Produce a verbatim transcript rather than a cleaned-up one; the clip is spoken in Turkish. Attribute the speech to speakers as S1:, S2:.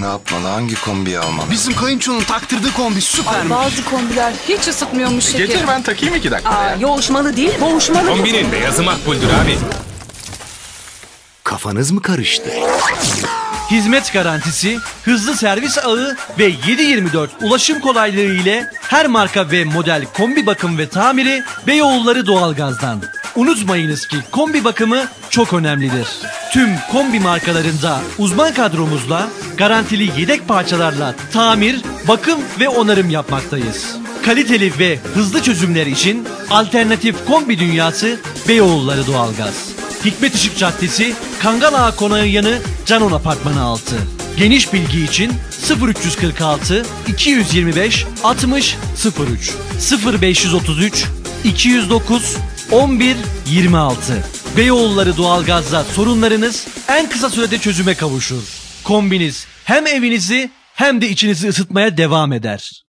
S1: Ne yapmalı? Hangi kombiyi almalı?
S2: Bizim kayınçonun taktırdığı kombi süpermiş.
S3: Bazı kombiler hiç ısıtmıyormuş şekerim.
S4: Getir ben takayım iki dakika.
S5: Aa, yoğuşmalı değil, boğuşmalı.
S4: Kombinin beyazı makbuldür abi.
S2: Kafanız mı karıştı?
S6: Hizmet garantisi, hızlı servis ağı ve yedi yirmi dört ulaşım kolaylığı ile her marka ve model kombi bakım ve tamiri Beyoğulları Doğalgaz'dan. Unutmayınız ki kombi bakımı çok önemlidir. Tüm kombi markalarında uzman kadromuzla garantili yedek parçalarla tamir, bakım ve onarım yapmaktayız. Kaliteli ve hızlı çözümler için alternatif kombi dünyası Beyoğulları Doğalgaz. Hikmet Işık Caddesi, Kangal Ağa Konağı yanı Canon Apartmanı altı. Geniş bilgi için sıfır üç yüz kırk altı iki yüz yirmi beş altmış sıfır üç sıfır beş yüz otuz üç iki yüz dokuz on bir yirmi altı. Beyoğulları Doğalgaz'da sorunlarınız en kısa sürede çözüme kavuşur. Kombiniz hem evinizi hem de içinizi ısıtmaya devam eder.